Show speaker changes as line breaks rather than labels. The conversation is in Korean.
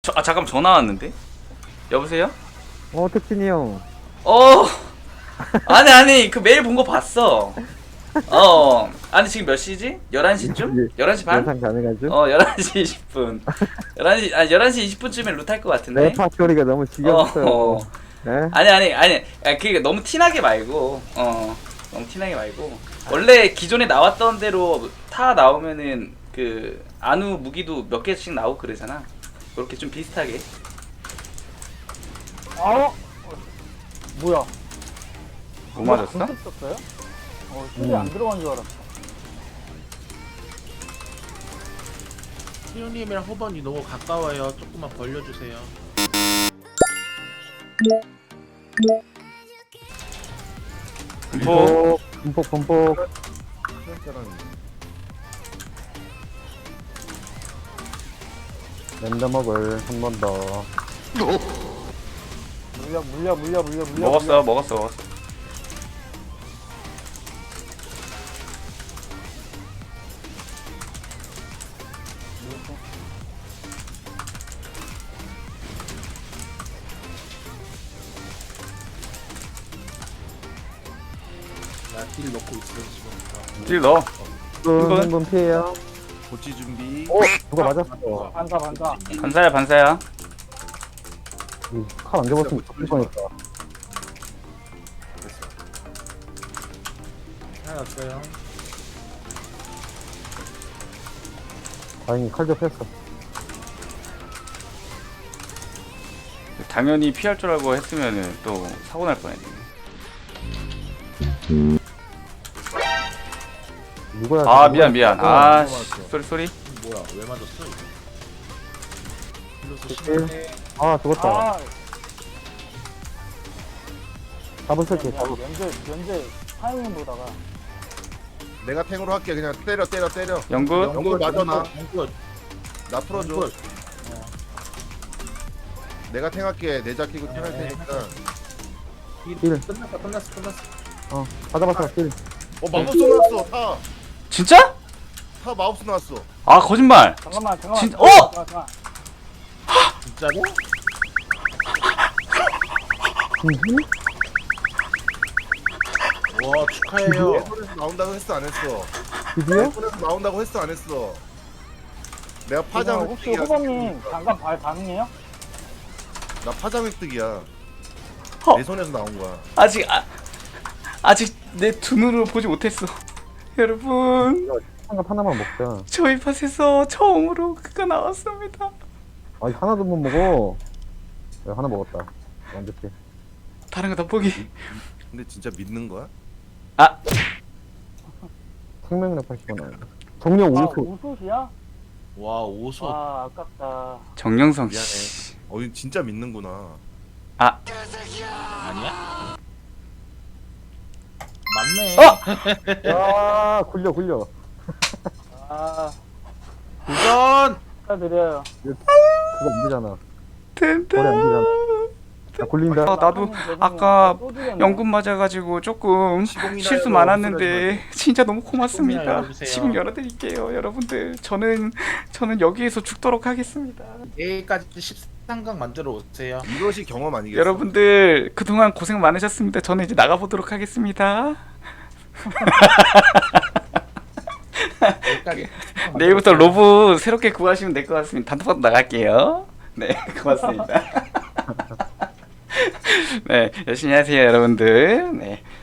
잠깐 전화 왔는데. 여보세요?
택진이 형.
어. 아니 그 메일 본 거 봤어. 아니 지금 몇 시지? 11시쯤? 11시 반?
영상 가능하죠?
11시 20분. 11시 20분쯤에 루탈 것 같은데.
내 파토리가 너무 지겹어요. 네?
아니. 그게 너무 티나게 말고. 너무 티나게 말고. 원래 기존에 나왔던 대로 타 나오면은 그 안우 무기도 몇 개씩 나오고 그러잖아. 그렇게 좀 비슷하게.
뭐야?
뭐 맞았어?
썼어요? 실이 안 들어간 줄 알았어.
희우님이랑 호번이 너무 가까워요. 조금만 벌려주세요.
분폭. 랜덤먹을 한 번 더.
물려.
먹었어.
나 딜 넣고 있어 지금.
딜 넣어.
한번 피해요.
고치 준비.
누가 맞았어.
반사.
반사야.
칼 안 잡았으면 죽을 뻔했다.
하나 없어요.
다행히 칼 잡혔어.
당연히 피할 줄 알고 했으면은 또 사고 날 뻔했네.
누구야?
아 미안. 아 쏘리.
뭐야? 왜 맞았어 이거? 딜러서
오케이.
심해.
아, 죽었다.
아,
잡은 설치, 잡은.
면제 타이밍 보다가.
내가 탱으로 할게. 그냥 때려.
영굿.
영구 맞아 나.
영굿.
나 풀어줘.
영굿.
내가 탱할게. 내자 키고 탱할 테니까.
딜.
끝났어.
다 잡았어, 딜.
마법스 나왔어.
진짜?
타 마법스 나왔어.
아 거짓말.
잠깐만.
진짜-
잠깐만.
진짜로? 와 축하해요.
내 손에서 나온다고 했어 안 했어?
드디어?
내 손에서 나온다고 했어 안 했어? 내가 파장
혹시
획득이야.
후보님 잠깐 발 가능해요?
나 파장 획득이야.
허.
내 손에서 나온 거야.
아직 내 두 눈으로 보지 못했어. 여러분
한갑 하나만 먹자.
저희 팟에서 처음으로 그가 나왔습니다.
아니, 하나도 못 먹어. 야, 하나 먹었다. 완벽해.
다른 거 다 포기.
근데 진짜 믿는 거야?
아
생명력 80원 나온다. 정령
아,
5소.
우수시야?
와 오소.
아, 아깝다.
정영성
미안해.
씨.
이거 진짜 믿는구나.
아니야? 맞네.
야, 굴려.
아,
도전.
축하드려요.
그거 안 되잖아. 거리 안
든든.
되잖아. 야, 굴린다.
나도 아까 연금 맞아가지고 조금
시공이나
실수
해서
많았는데 진짜 너무 고맙습니다.
시공이나 열어주세요.
시공 열어드릴게요, 여러분들. 저는 여기에서 죽도록 하겠습니다.
내일까지 13강 만들어 오세요.
이것이 경험 아니겠어?
여러분들 그동안 고생 많으셨습니다. 저는 이제 나가보도록 하겠습니다.
내일까지.
내일부터 로브 새롭게 구하시면 될 것 같습니다. 단톡방 나갈게요. 네, 고맙습니다. 네, 열심히 하세요, 여러분들. 네,